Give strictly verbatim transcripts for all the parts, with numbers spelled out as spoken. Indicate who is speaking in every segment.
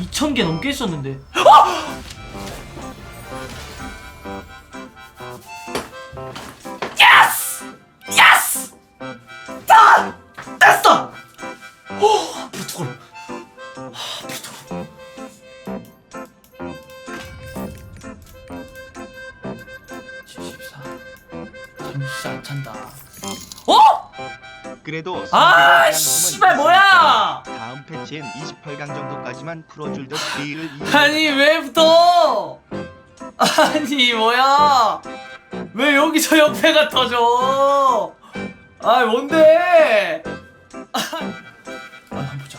Speaker 1: 이천 개 넘게 있었는데. 예스! 예스! 다! 됐어! 오, 앞으로 두 걸. 앞으로 두 걸. 칠십사. 잠시 안 찬다. 어?
Speaker 2: 그래도
Speaker 1: 아, 씨발 뭐야?
Speaker 2: 다음 패치엔 이십팔 강 정도까지만 풀어줄 듯 딜을
Speaker 1: 아니 왜 붙어? 아니 뭐야? 왜 여기서 옆에가 터져? 아 뭔데? 아 한번 보자.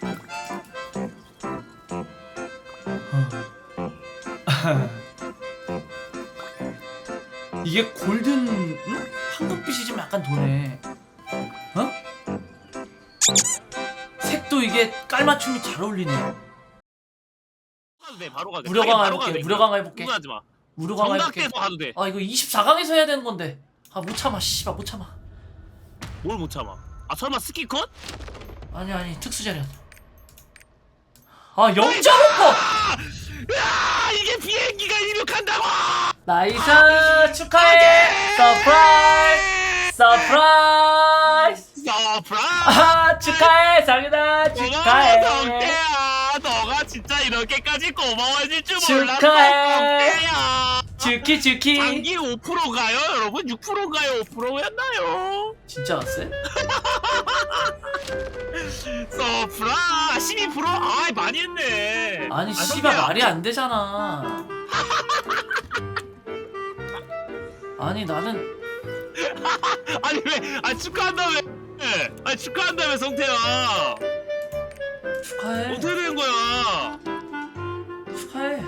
Speaker 1: 이게 골든 응? 황금빛이 좀 약간 도네. 어? 색도 이게 깔맞춤이 잘 어울리네.
Speaker 3: 돼 바로 가게.
Speaker 1: 무료강
Speaker 3: 바로
Speaker 1: 해볼게.
Speaker 3: 가게.
Speaker 1: 무료강 해볼게.
Speaker 3: 하지 마.
Speaker 1: 무료강 해볼게.
Speaker 3: 정각돼서 가도 돼.
Speaker 1: 아 이거 이십사 강에서 해야 되는 건데. 아 못 참아. 씨발 못 참아.
Speaker 3: 뭘 못 참아? 아 설마 스키 컷?
Speaker 1: 아니 아니 특수 자리야. 아 영 점 오 퍼.
Speaker 3: 야 이게 비행기가 이륙한다고!
Speaker 1: 나이스 축하해. 서프라이즈. 서프라이즈.
Speaker 3: 서프라이즈!
Speaker 1: 아 축하해 상윤아 축하해.
Speaker 3: 성태야 너가 진짜 이렇게까지 고마워질 줄 몰랐어.
Speaker 1: 축하해.
Speaker 3: 성태야.
Speaker 1: 주키 주키.
Speaker 3: 장기 오 퍼센트 가요 여러분? 육 퍼센트인가요? 오 퍼센트였나요?
Speaker 1: 진짜 왔어요?
Speaker 3: 서프라 십이 퍼센트? 아 많이 했네.
Speaker 1: 아니
Speaker 3: 아,
Speaker 1: 씨발
Speaker 3: 성태야.
Speaker 1: 말이 안 되잖아. 아니 나는
Speaker 3: 아니 왜? 아 축하한다며? 아 축하한다며 성태야.
Speaker 1: 축하해.
Speaker 3: 어떻게 된 거야?
Speaker 1: 축하해.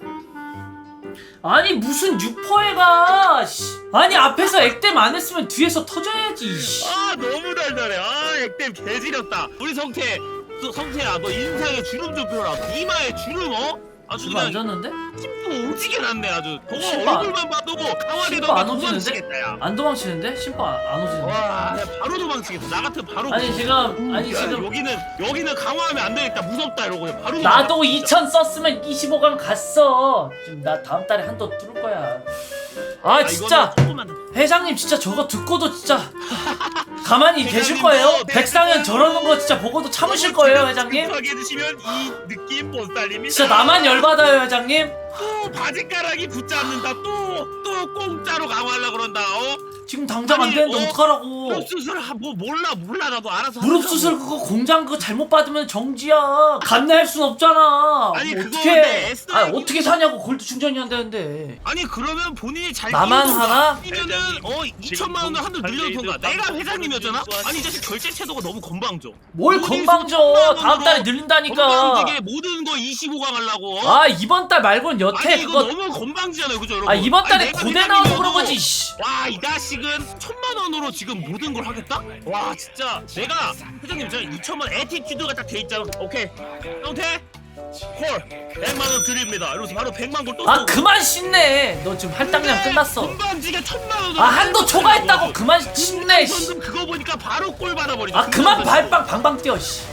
Speaker 1: 아니 무슨 육 퍼센트가 아니 앞에서 액땜 안 했으면 뒤에서 터져야지. 씨.
Speaker 3: 아 너무 달달해. 아 액땜 개지렸다. 우리 성태, 너 성태야 너 인상에 주름 좀 펴라. 이마에 주름 어? 아주
Speaker 1: 이거 안
Speaker 3: 그냥
Speaker 1: 졌는데?
Speaker 3: 심도 오지게 났네 아주. 동호
Speaker 1: 심도 안-
Speaker 3: 얼굴만 봐도 뭐 강화리
Speaker 1: 심도
Speaker 3: 너가
Speaker 1: 안 오지는데?
Speaker 3: 도망치겠다 야.
Speaker 1: 안 도망치는데? 심판 안, 안 오지는데?
Speaker 3: 와 내가 바로 도망치겠다. 나 같은 바로.
Speaker 1: 아니 지금 아니
Speaker 3: 야,
Speaker 1: 지금
Speaker 3: 여기는 여기는 강화하면 안 되겠다. 무섭다 이러고 그냥 바로.
Speaker 1: 나도
Speaker 3: 도망쳐, 진짜.
Speaker 1: 이천 썼으면 이십오 강 갔어. 지금 나 다음 달에 한도 뚫을 거야. 아
Speaker 3: 아,
Speaker 1: 진짜
Speaker 3: 이거는 조금만 더.
Speaker 1: 회장님 진짜 저거 듣고도 진짜 가만히 계실
Speaker 3: 회장님도
Speaker 1: 거예요?
Speaker 3: 네,
Speaker 1: 백상현 저러는 거 진짜 보고도 참으실 거예요 회장님?
Speaker 3: 급하게 해주시면 이 느낌 못 살립니다.
Speaker 1: 진짜 나만 열받아요 회장님?
Speaker 3: 또 바지가락이 붙잡는다. 또 또 공짜로 강화하려 그런다. 어?
Speaker 1: 지금 당장 안
Speaker 3: 아니,
Speaker 1: 되는데
Speaker 3: 어?
Speaker 1: 어떡하라고.
Speaker 3: 무릎 수술 하- 뭐 몰라 몰라 나도 알아서.
Speaker 1: 무릎
Speaker 3: 하라고.
Speaker 1: 수술 그거 공장 그거 잘못 받으면 정지야. 감내할 순 없잖아.
Speaker 3: 아니,
Speaker 1: 뭐
Speaker 3: 그거
Speaker 1: 어떻게?
Speaker 3: 근데 에스더
Speaker 1: 아 어떻게 사냐고 골드 충전이 안 되는데.
Speaker 3: 아니 그러면 본인이 잘
Speaker 1: 나만
Speaker 3: 끼우던가.
Speaker 1: 하나?
Speaker 3: 아니면은 어 이천만 원을 한도 늘려던가. 내가 회장님이었잖아. 아니 이 자식 결제 태도가 너무 건방져.
Speaker 1: 뭘
Speaker 3: 모든
Speaker 1: 건방져.
Speaker 3: 손만
Speaker 1: 다음 달에
Speaker 3: 원으로
Speaker 1: 늘린다니까.
Speaker 3: 건방지게 모든 거 이십오 강 하려고. 어?
Speaker 1: 아 이번 달 말고는 여태
Speaker 3: 아니 이거
Speaker 1: 그거.
Speaker 3: 너무 건방지잖아요 그죠 여러분.
Speaker 1: 아 이번 달에
Speaker 3: 아니, 내가
Speaker 1: 고대 나와서
Speaker 3: 회장님이어도
Speaker 1: 그런 거지. 씨.
Speaker 3: 와 이 자식은 천만 원으로 지금 모든 걸 하겠다? 와 진짜 내가 회장님 제가 이천만 원 에티튜드가 딱 돼 있잖아. 오케이 형태 콜 백만 원 드립니다. 이러면서 바로 백만 골 또
Speaker 1: 아
Speaker 3: 쏘고.
Speaker 1: 그만 신내. 너 지금 할당량 끝났어.
Speaker 3: 건방지게 천만 원으로
Speaker 1: 아 한도 초과했다고 그만 신내. 씨.
Speaker 3: 현금 그거 보니까 바로 골 받아버리죠.
Speaker 1: 아 그만 발빵 방방 뛰어. 씨.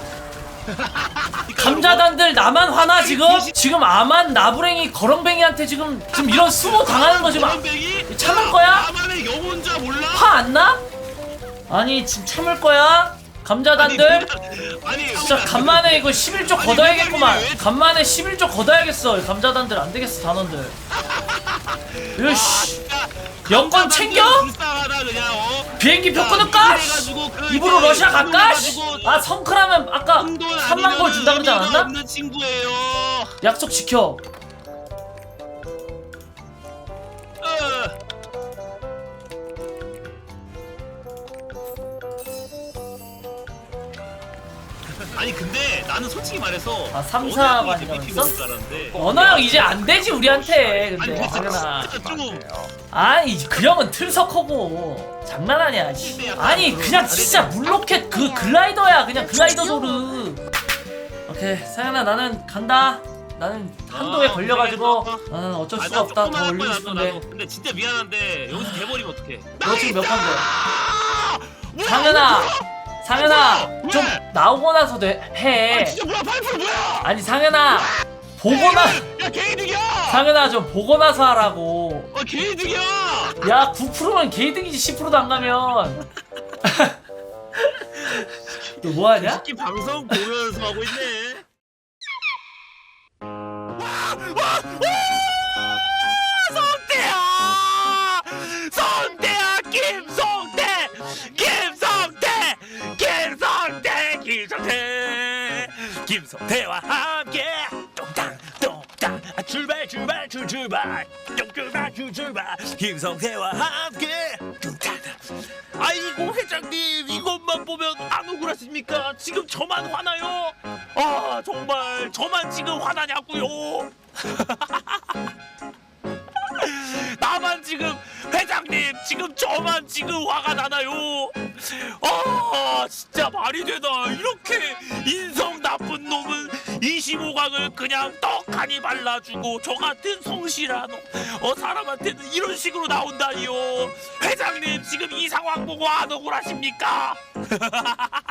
Speaker 1: 감자단들 나만 화나 지금? 지금 아만 나부랭이 거렁뱅이한테 지금 지금 이런 수모 당하는 거 지금
Speaker 3: 거렁뱅이?
Speaker 1: 참을 거야?
Speaker 3: 나만의 영혼자 몰라?
Speaker 1: 화 안 나? 아니 지금 참을 거야? 감자단들?
Speaker 3: 아니
Speaker 1: 진짜 간만에 이거 십일 조
Speaker 3: 아니,
Speaker 1: 걷어야겠구만.
Speaker 3: 왜-
Speaker 1: 간만에 십일 조 걷어야겠어. 감자단들 안 되겠어 단원들. 으씨. 여권 챙겨?
Speaker 3: 불쌍하다 그냥 어?
Speaker 1: 비행기 표
Speaker 3: 야,
Speaker 1: 끊을까?
Speaker 3: 이래가지고 그
Speaker 1: 입으로
Speaker 3: 이제
Speaker 1: 러시아 갈까?
Speaker 3: 이래가지고
Speaker 1: 아 성크라면 아까
Speaker 3: 한돈
Speaker 1: 삼만 골 준다 그러지
Speaker 3: 의미가
Speaker 1: 않았나?
Speaker 3: 없는 친구예요.
Speaker 1: 약속 지켜.
Speaker 3: 어. 아니 근데 나는 솔직히 말해서
Speaker 1: 아, 삼, 사가
Speaker 3: 언어 형이 이제
Speaker 1: 아니라
Speaker 3: 미팅
Speaker 1: 그랬어?
Speaker 3: 올 줄 알았는데
Speaker 1: 언어 형 이제 안 되지 우리한테.
Speaker 3: 아니
Speaker 1: 근데
Speaker 3: 진짜
Speaker 1: 당연아.
Speaker 3: 진짜 조금
Speaker 1: 아니 그 형은 틀석하고 장난 아니야. 씨. 아니 그냥 진짜 물로켓 그 글라이더야. 그냥 글라이더 도르. 오케이 사연아 나는 간다. 나는 한도에
Speaker 3: 아,
Speaker 1: 걸려가지고
Speaker 3: 고생했어.
Speaker 1: 나는 어쩔
Speaker 3: 아,
Speaker 1: 수가
Speaker 3: 나
Speaker 1: 없다.
Speaker 3: 조금만
Speaker 1: 더
Speaker 3: 할
Speaker 1: 올리고
Speaker 3: 거야, 나도,
Speaker 1: 싶은데.
Speaker 3: 나도. 근데 진짜 미안한데 여기서 돼버리면 어떡해.
Speaker 1: 너 지금 몇 판데?
Speaker 3: 뭐야,
Speaker 1: 상현아 상현아
Speaker 3: 뭐야?
Speaker 1: 좀
Speaker 3: 왜?
Speaker 1: 나오고 나서 해.
Speaker 3: 아 진짜 뭐야 파이프 뭐야?
Speaker 1: 아니 상현아 보고 나
Speaker 3: 야 개이득이야.
Speaker 1: 상현아 좀 보고 나서 하라고.
Speaker 3: 어 개이득이야.
Speaker 1: 야 구 퍼센트면 개이득이지 십 퍼센트도 안 가면. 너 뭐하냐?
Speaker 3: 새끼 방송 보면서 하고 있네. 성태야! 성태야! 김성태! 김성태! 김성태! 김성태! 김성태와 함께 똥땅 똥땅 출발 출발 출 출발 똥출발 출 출발 김성태와 함께 똥땅. 아이고 회장님 이것만 보면 안 억울하십니까? 지금 저만 화나요? 아 정말 저만 지금 화나냐고요? 나만 지금 회장님 지금 저만 지금 화가 나나요? 아 진짜 말이 되나 이렇게 인성 나쁜 놈은 이십오 강을 그냥 떡하니 발라주고 저 같은 성실한 어 사람한테는 이런 식으로 나온다니요. 회장님 지금 이 상황 보고 안 억울하십니까?